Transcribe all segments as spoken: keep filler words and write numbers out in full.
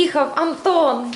приїхав Антон.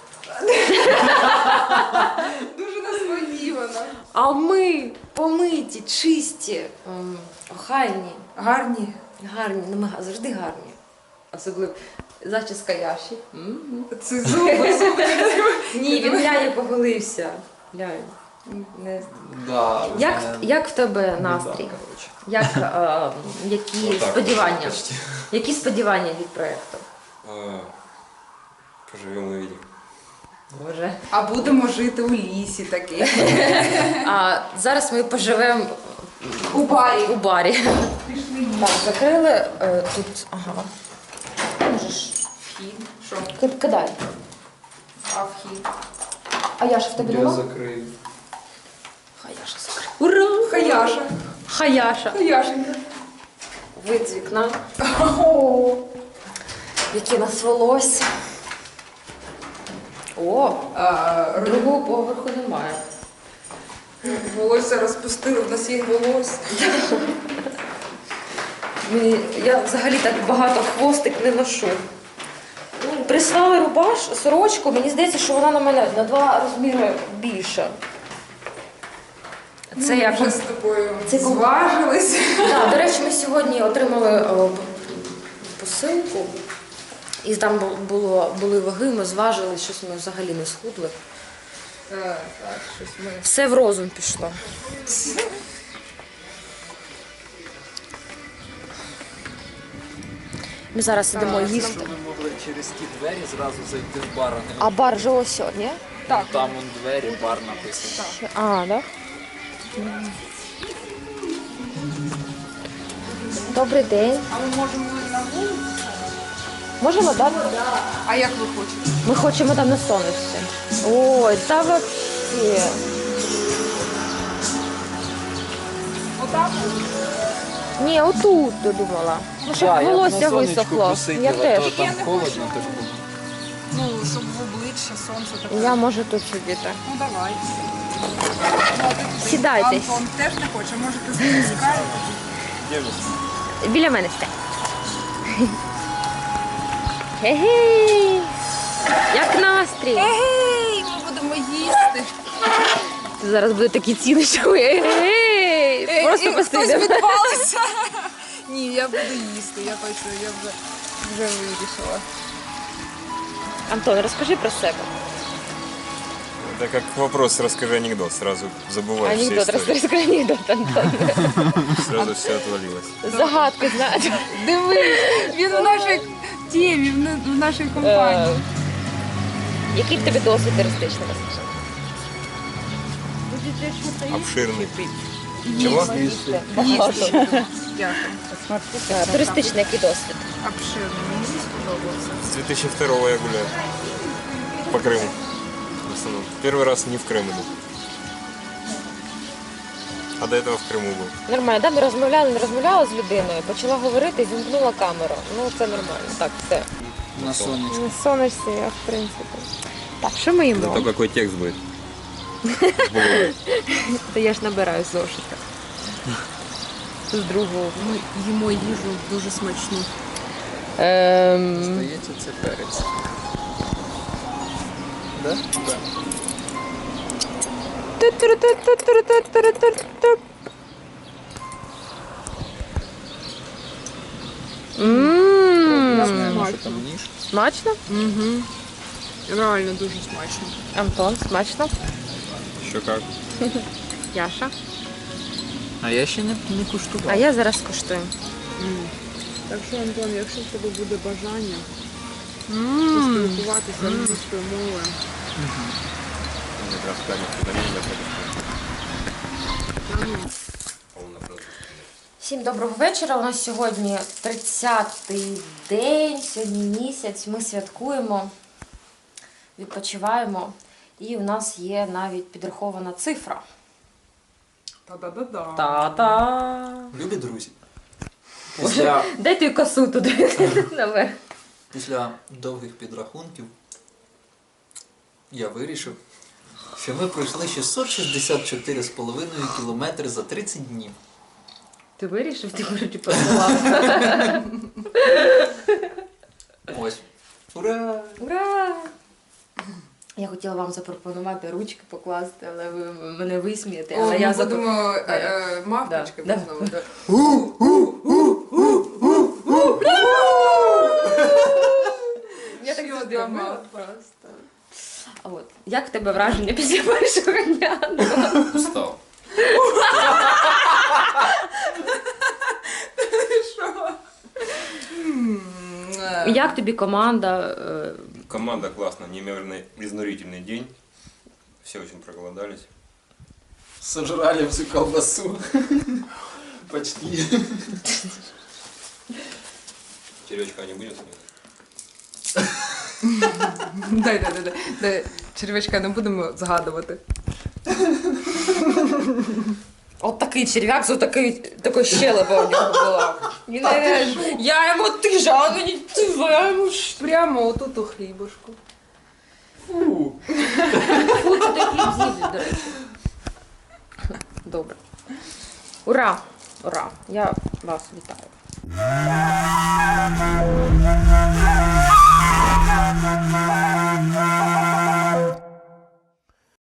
Дуже несподівано. А ми помиті, чисті, ем, охайні, Гарні. гарні, ну ми завжди гарні. Особливо зачіска Яші. М-м. Це зуби, зуби. Ні, він глянь поголився. Глянь. Не... Да, Як, мене як в тебе біда, настрій? коротше. Як, е, які Отак, сподівання? почти. Які сподівання від проєкту? А, Поживем, увидим. Боже. А будемо жити у лісі таки. А зараз ми поживемо У барі. у барі. Пішли. Так, закрили е, тут. Ага. Можеш. Вхід. Що? Ки- Кидай. А вхід? А Яша в тебе Я нема? закрив. Хаяша закрив. Ура! Хаяша. Хаяша. Хаяшенька. Вид з вікна. О, Яке нас волосся. О, а, другого поверху немає. волосся розпустили, в нас є волосся. Мені- Я взагалі так багато хвостик не ношу. Прислали рубаш, сорочку, мені здається, що вона на мене на два розміри більша. Це Ми я вже з тобою Це ком- зважились. Да, до речі, ми сьогодні отримали о, п- посилку, і там бу- було, були ваги, ми зважили, щось ми взагалі не схудли. Так, так, щось ми. Все в розум пішло. Ми зараз ідемо Так, їсти. Щоб ми могли через ті двері зразу зайти в бар, а не А бар же ось сьогодні? Так. там он двері, бар написано. А, да? Добрий день. А ми можемо на вулицю? Можемо, так? А як ви хочете? Ми хочемо там на сонечці. Ой, та вообще. Отак? Ні, отут додумала. Ну, щоб Да, я б волосся на сонечку висохло. посидів, Я а теж. то там холодно, так було. Ну, щоб в обличчя сонце таке. Я можу тут сидіти. Ну давай. Ну, а ти туди. Сідайтесь. Антон теж не хоче, може ти спускаєш? Біля мене стань. Гей! Як настрій? Ей, ми будемо їсти. Зараз буде такі ціни, що ви гей! Просто Е, Хтось посидимо. відпалиться. Ні, я буду їсти, я точно, я вже, вже вирішила. Антон, розкажи про себе. Это как вопрос, расскажи анекдот, сразу забываешь все Анекдот, истории. розкажи анекдот, Антон. Сразу все отвалилось. Загадки знаєш. Дивись, він в нашій темі, в на- в нашій Е, компанії. Який в тебе досвід туристичний, розкажи? Обширный. Чего? Багато. Дякую. Е, Туристичний який досвід? Обширно, мені сподобався. С две тысячи второго я гуляю. По Крыму. В основном. Первый раз не в Крым иду. А до этого в Крыму был. Нормально, да? Ми розмовляли, не розмовляла з людиною, почала говорити і зімкнула камеру. Ну, це нормально. Так, все. На сонечку. Не сонишся, я, в принципі. Так, що ми їмо? Зато какой текст будет. Та я ж набираю зошита. З другого. Ми їмо їжу дуже смачну. Ем... Здається, це перець. Да? Да. Ммм, Знаємо, що там ніж. смачно? Угу. Реально дуже смачно. Антон, смачно? Еще как. Яша. А я ще не, не А куштував. я зараз куштую. Так що, Антон, якщо в тебе буде бажання Ммм. поспілкуватися англійською мовою, Мне как раз камень туда не надо. Всім доброго вечора. У нас сьогодні тридцятий день, сьогодні місяць. Ми святкуємо, відпочиваємо. І у нас є навіть підрахована цифра. та-да-да-да. Та-та! Любі друзі. Після, Дай ту косу туди наверх. після довгих підрахунків я вирішив, що ми пройшли шістсот шістдесят чотири з половиною кілометри за тридцять днів. Ти вирішив, ти вроді подавав. Ось. Ура! Ура! Я хотіла вам запропонувати ручки покласти, але ви мене висмієте. О, Але ми я запро- будемо е, Да. е, мавпочки Да, знову. да. Я так Що завжди за робила мав? просто. А от, як в тебе враження після першого дня? Устав. Що? М, е. Як тобі команда? е, Команда классная, неимоверно изнурительный день. Все очень проголодались. Сожрали всю колбасу. Почти. Червячка не будет? Дай, дай, дай, дай, дай. Червячка не будемо згадувати. От такий черв'як з отакий, такою щелепа у нього була. Він, е, я йому тижа, а мені ти, я йому ш- Прямо отут у хлібушку. Фу. Фу, ти той хліб з'їв, до речі. Добре. Ура! Ура! Я вас вітаю.